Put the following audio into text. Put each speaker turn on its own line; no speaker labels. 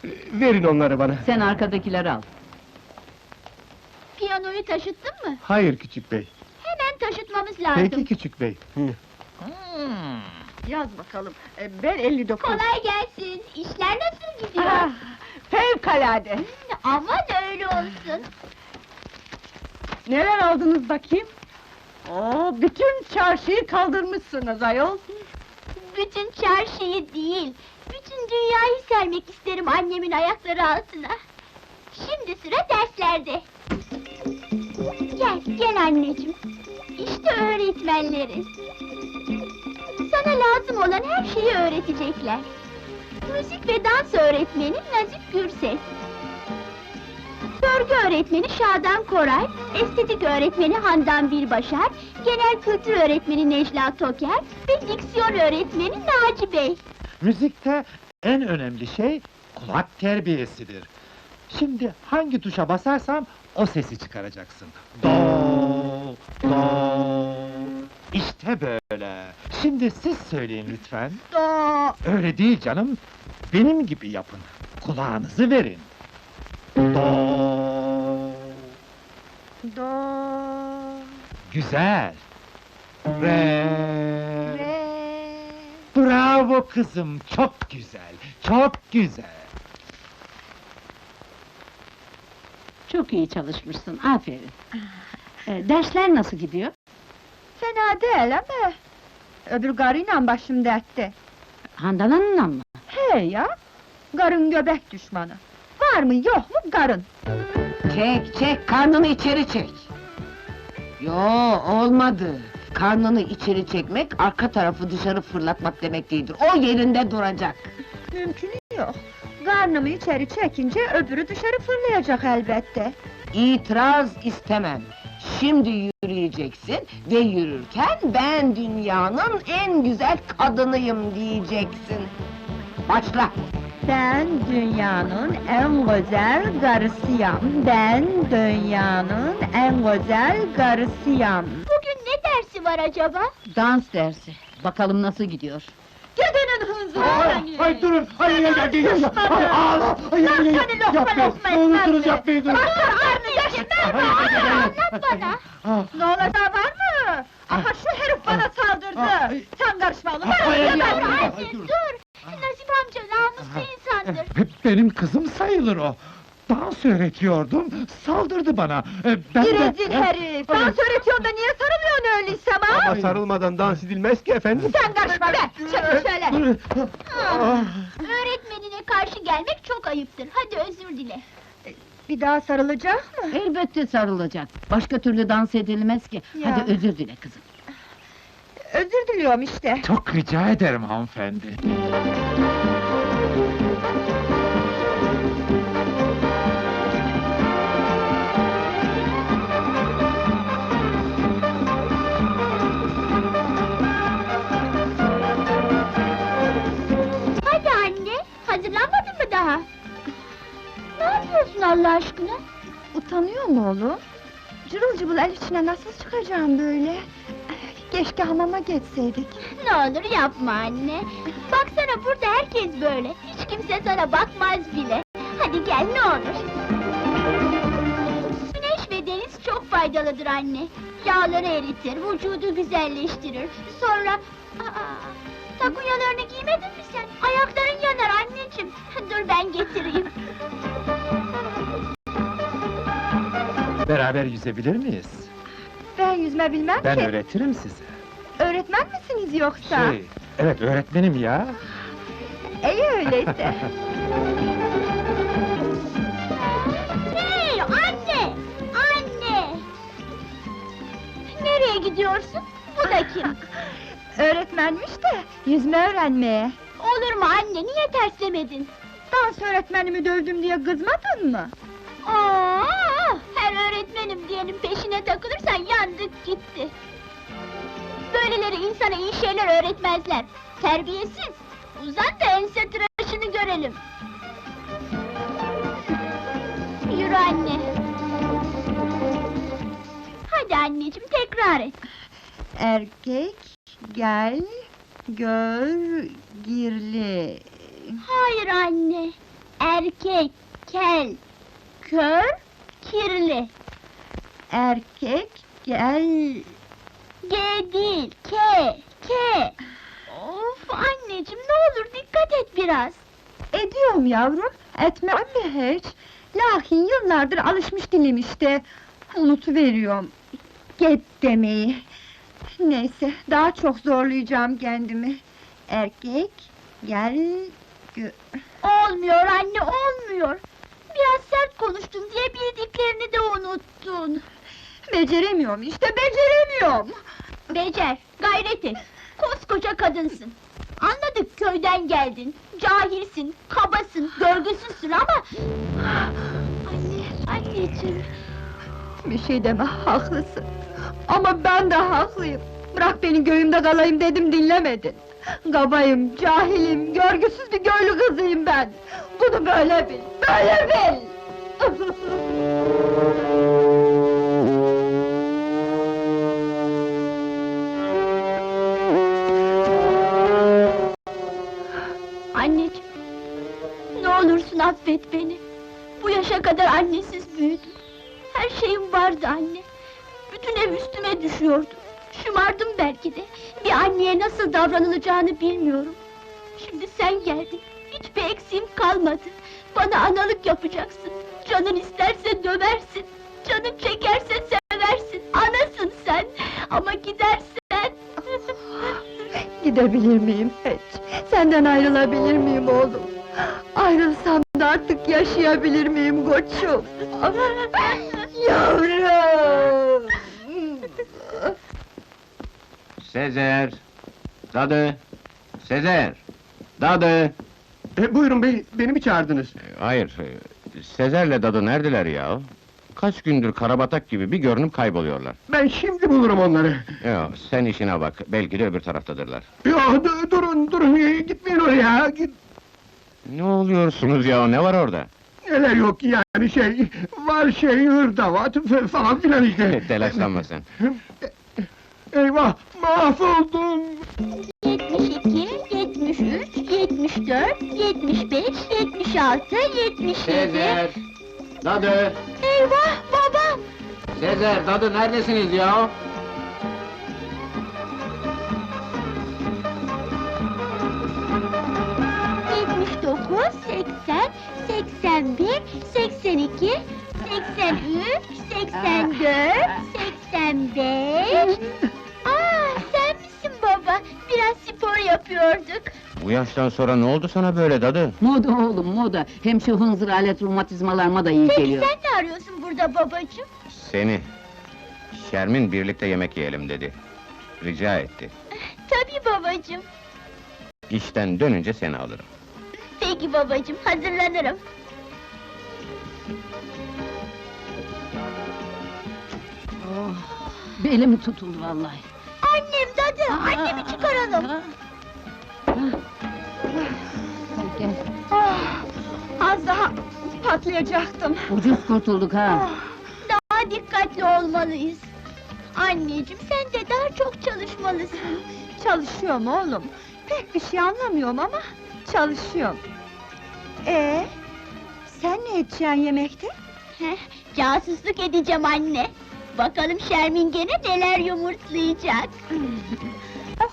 Verin onları bana.
Sen arkadakileri al.
Piyanoyu taşıttın mı?
Hayır küçük bey.
Hemen taşıtmamız lazım.
Peki küçük bey.
Yaz bakalım, ben 59.
Kolay gelsin. İşler nasıl gidiyor?
Ah, fevkalade!
Aman öyle olsun.
Neler aldınız bakayım? Oo, bütün çarşıyı kaldırmışsınız ayol!
Bütün çarşıyı değil, bütün dünyayı sermek isterim annemin ayakları altına. Şimdi sıra derslerde. Gel anneciğim. İşte öğretmenleri. Sana lazım olan her şeyi öğretecekler. Müzik ve dans öğretmeni Nazif Gürses. Örgü öğretmeni Şadan Koray, estetik öğretmeni Handan Bilbaşar, genel kültür öğretmeni Necla Toker ve diksiyon öğretmeni Naci Bey.
Müzikte en önemli şey kulak terbiyesidir. Şimdi hangi tuşa basarsam o sesi çıkaracaksın. Do, do. İşte böyle. Şimdi siz söyleyin lütfen.
Do,
Öyle değil canım. Benim gibi yapın. Kulağınızı verin. Do.
do,
Güzel. Re.
re.
Bravo kızım. Çok güzel. Çok güzel.
Çok iyi çalışmışsın, aferin. Dersler nasıl gidiyor?
Fena değil ama... Öbür karıyla başım dertte.
Handan Hanım'la mı?
He ya! Karın göbek düşmanı. Var mı yok mu karın?
Çek, karnını içeri çek! Yo, olmadı! Karnını içeri çekmek, arka tarafı dışarı fırlatmak demek değildir. O yerinde duracak!
Mümkünü yok. Karnımı içeri çekince öbürü dışarı fırlayacak elbette.
İtiraz istemem! Şimdi yürüyeceksin ve yürürken ben dünyanın en güzel kadınıyım diyeceksin! Başla!
Ben dünyanın en güzel karısıyım. Ben dünyanın en güzel karısıyım.
Bugün ne dersi var acaba?
Dans dersi. Bakalım nasıl gidiyor?
Gidenin hınzı
Ay durun! Ay ağla!
Seni lokma lokma
Ne olursunuz
etmez
yapmayın durun!
Anneciğim merhaba, anlat bana.
Ne olacağı var mı? Aha şu herif bana saldırdı! Sen karışma oğlum!
Anne dur! Nazif amca namuslu insandır.
Benim kızım sayılır o! Dans öğretiyordum, saldırdı bana! Ben
Bir
de...
rezil herif! Dans öğretiyorsun da niye sarılıyorsun öyleyse
Ama
ama?
sarılmadan dans edilmez ki efendim.
Sen karışma be! Çekil şöyle!
Öğretmenine karşı gelmek çok ayıptır. Hadi özür dile.
Bir daha sarılacak mı?
Elbette sarılacak. Başka türlü dans edilmez ki.
Ya.
Hadi özür dile kızım.
Özür diliyorum işte.
Çok rica ederim hanımefendi.
Hadi anne, hazırlanmadın mı daha? Ne yapıyorsun Allah aşkına?
Utanıyor mu oğlum? Cırıl cıvıl el içine nasıl çıkacağım böyle? Keşke hamama geçseydik.
Ne olur yapma anne. Baksana burada herkes böyle. Hiç kimse sana bakmaz bile. Hadi gel ne olur. Güneş ve deniz çok faydalıdır anne. Yağları eritir, vücudu güzelleştirir. Sonra... takunyalarını giymedin mi sen? Ayakların yanar anneciğim. Dur ben getireyim.
Beraber yüzebilir miyiz?
Ben yüzme bilmem
Ben
ki.
öğretirim size.
Öğretmen misiniz yoksa?
Evet öğretmenim ya.
İyi öyleyse.
Hey anne! Anne! Nereye gidiyorsun? Bu da kim?
Öğretmenmiş de yüzme öğrenmeye.
Olur mu anne, niye terslemedin?
Dans öğretmenimi dövdüm diye kızmadın mı?
Aa, her öğretmenim diyenin peşine takılırsan yandık gitti. Böyleleri insana iyi şeyler öğretmezler. Terbiyesiz! Uzan da ense tıraşını görelim. Yürü anne. Hadi anneciğim, tekrar et.
Erkek, gel, gör, girli.
Hayır anne. Erkek, kel, kör, kirli.
Erkek, gel...
G değil, K, K. Of anneciğim, ne olur dikkat et biraz.
Ediyorum yavrum, etmem mi hiç? Lakin yıllardır alışmış dilim işte. Unutuveriyorum. Get demeyi. Neyse, daha çok zorlayacağım kendimi. Erkek, gel...
Olmuyor anne, olmuyor. Biraz sert konuştun diye bildiklerini de unuttun.
Beceremiyorum işte, beceremiyorum!
Becer, gayret et. Koskoca kadınsın. Anladık, köyden geldin. Cahilsin, kabasın, görgüsüzsün ama... Anneciğim...
Bir şey deme, haklısın. Ama ben de haklıyım. Bırak beni göğümde kalayım dedim, dinlemedin. Kabayım, cahilim, görgüsüz bir köylü kızıyım ben. Bunu böyle bil, böyle bil!
Anneciğim, ne olursun affet beni. Bu yaşa kadar annesiz büyüdüm. Her şeyim vardı anne. Bütün ev üstüme düşüyordu. Şımardım belki de. Bir anneye nasıl davranılacağını bilmiyorum. Şimdi sen geldin. Hiçbir eksiğim kalmadı. Bana analık yapacaksın. Canın isterse döversin. Canın çekerse seversin. Anasın sen. Ama gidersen...
Gidebilir miyim hiç? Senden ayrılabilir miyim oğlum? Ayrılsam da artık yaşayabilir miyim koçum? Yavrum!
Sezer! Dadı! Sezer! Dadı!
Buyurun bey, beni mi çağırdınız?
Hayır, Sezer'le Dadı neredeler ya? Kaç gündür karabatak gibi bir görünüp kayboluyorlar.
Ben şimdi bulurum onları.
Yo, sen işine bak, belki de öbür taraftadırlar.
Yo, durun, gitmeyin oraya!
Ne oluyorsunuz ya, ne var orada?
Neler yok yani var hırdavat falan filan işte.
Telaşlanma sen.
Eyvah, mahvoldum!
72, 73, 74, 75, 76, 77...
Dadı!
Eyvah, babam!
Sezer, Dadı neredesiniz ya?
...79, 80, 81, 82, 83, 84, 85... Sen misin baba? Biraz spor yapıyorduk.
Bu yaştan sonra ne oldu sana böyle Dadı?
Moda oğlum, moda. Hem şu hınzır alet romatizmalarıma da iyi
Peki
geliyor.
sen ne arıyorsun burada babacığım?
Seni. Şermin birlikte yemek yiyelim dedi. Rica etti.
Tabii babacığım.
İşten dönünce seni alırım.
Peki babacığım, hazırlanırım.
Belim tutuldu vallahi.
Annem dadı, annemi çıkaralım.
Gel.
Az daha patlayacaktım.
Ucuz kurtulduk ha.
Daha dikkatli olmalıyız. Anneciğim, sen de daha çok çalışmalısın.
Çalışıyorum oğlum. Pek bir şey anlamıyorum ama çalışıyorum. Sen ne edeceksin yemekte?
Heh, casusluk edeceğim anne. Bakalım Şermin gene neler yumurtlayacak.